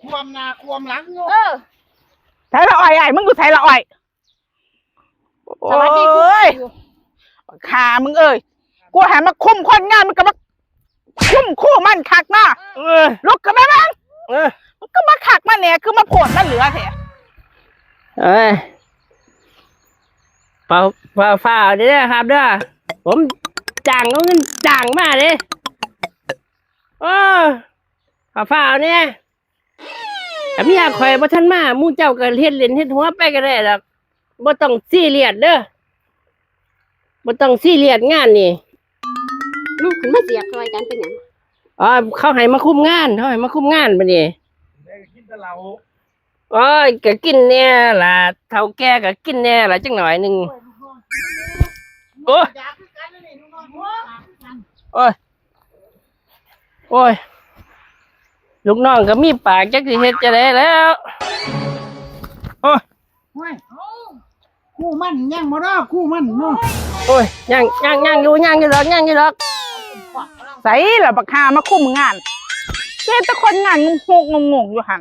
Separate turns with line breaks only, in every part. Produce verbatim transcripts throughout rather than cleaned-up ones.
ความนาความหลังอยู่
เออ
ใส่ละอ่อยไอ้มึงกูใส่ละอ่อย
สวัสดีคุณ
ขามึงเอ้ยกูหามาคุ้มคนงานมันก็มาคุ้มคู่มันคักมาลุกกันไหมมั้งมันก็มาคักมาเนี่ยคือมาโผล่มาเหลือแท้
เอ้ยเปล่าเปล่าฝ่าเด้อครับเด้อผมจ้างเอาเงินจ้างมาเลยโอ้ฝ่าฝ่าเนี่ยแต่พี่อยากคอยบ่ทันมามู่เจ้าก็เฮ็ดเล่นเฮ็ดหัวไปก็ได้ดอกบ่ต้องซีเรียสเด้อบ่ต้องซีเรียสงานนี่
ลูกขึ้นมาเสียบซอยกันเป็นหยัง
อ๋อเขาให้มาคุมงานเขาให้มาคุมงานบัดนี้
กินแต่เหล้า
โอ้ยก็กินแน่ล่ะเฒ่าแก่ก็กินแน่ล่ะจังหน่อยนึงโอ้ยโอ้ยโอ้ยลูกน้องก็มีปากจักสิเฮ็ดจะได้แล้วโอ้ย
คู่มันยังบ่รอคู่มันเนาะ
โอ้ยยังยังยังอยู่ยังอยู่หรอกยังอยู่หรอก
ใส่ละบักหามาคุ้มงานเจ้าตะคนงานงงงงงอยู่หัน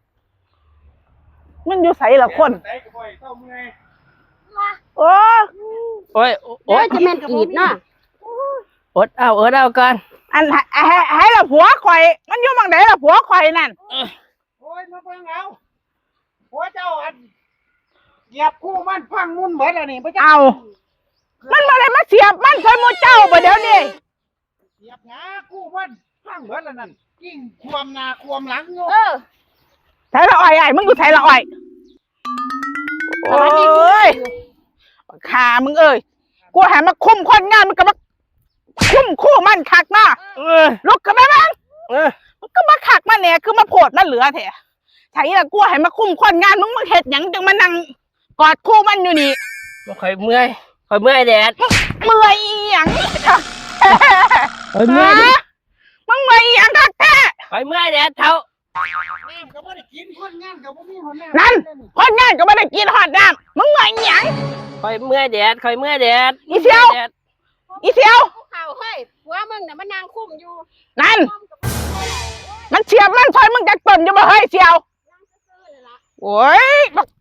มันอยู่ใส่ละคนโอ้
โอ้ย
โอ้ยจะแม่นกีดเนาะ
อดเอาอดเอาก่อน
อันให้ให้ละผัวข่อยมันอยู่บางไหนละผัวข่อยนั่น
โอ้ยมาฟังเอาผัวเจ้าอันเหยียบคู่มันพังมุ่นเหมือนอะไรนี่
เอามันมาเลยมาเสียบมันใส่มือเจ้าบ่เดี๋ยวนี้
เหยียบหาคู่มันพังเหมือนอะไรนั่นยิ่งความนาความหลังอยู่
เออ
ใส่ละอ่อยไอ้มึงกูใส่ละอ่อยโอ้ยขามึงเอ้ยกูหามาคุ้มคนงานมันก็มาคุ้มคู่มันคักมาลุกกันไหมมั้งมันก็มาคักมาเนี่ยคือมาโผล่มาเหลือแท้ใช่ละกูให้มาคุ้มคนงานมึงมาเห็ดหยังจังมานั่งกอดคู่มันอยู่นี่
บ่ค่อยเมื่อยค่อยเมื่อยแดด
เมื่อยหยัง
ค่อยเมื่อย
มึงเมื่อยหยังคักแท้
ค่อยเมื่อยแดดเท่า
ก็ไม่ได้กินคนงานก็บ่มีหอดน้
ำนั่นคนงานก็ไม่ได้กินหอดน้ำมึงเมื่อยหยัง
ค่อยเมื่อยแดดค่อยเมื่อยแดด
อีเซียวอีเซียว
ข่าวเฮ้ยผัวมึงน่ะมันนางคุ้มอยู่
นั่นมันเฉียบมันซอยมึงจะต้นอยู่บ่เฮ้ยเซียวโอ้ย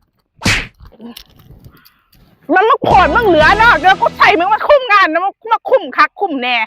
มันมาโผล่มึงเหลือเนาะเดี๋ยวกูใส่มึงมาคุ้มงานนะมาคุ้มคักคุ้มแน่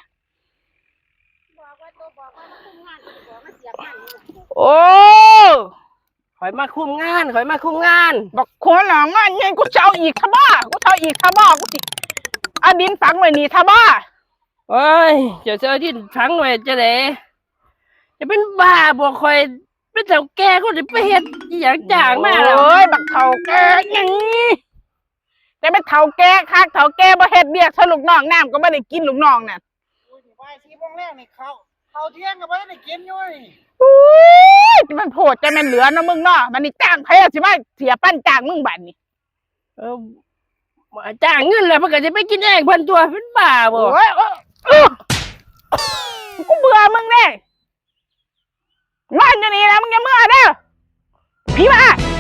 โอ้
ข่อยมาคุมงานข่อยมาคุมงาน
บอกคนหลังงานยังกูจะเอาอีกทบ้ากูจะเอาอีกทบ้ากูสิเอาดินฝังไว้นี่ทบ้า
โอ้ยเจ้าเจ้าดินฝังไว้จะไหนจะเป็นบ้าบอกข่อยเป็นเฒ่าแก่ก็จะไปเฮ็ดอย่างจ้างมาแล้ว
โอ้ยบักเฒ่าแก่ยังงี้แต่เป็นเฒ่าแก่คักเฒ่าแก่บ่เฮ็ดเบี้ยสลูกน้องน้ำก็ไม่ได้กินลูกน้องน่ะ
โอ้ยบ่ายสี่โมงแรกนี่เขาเขาเที่ยงก็บ่ได้กินอยู่นี่
อุ้ยมันโผล่จะมันเหลือนะมึงเนาะมันนี่จ้างใครสิว่าเสียปั้นจ้างมึงบัดนี่
เออจ้างเงินแล้วเพิ่นก็จะไปกินเองเพิ่นตัวเป็นบ้าบ่
โอ้ยกูเบื่อมึงแน่งานอยู่นี่นะมึงอย่าเมื่อเด้อพี่มา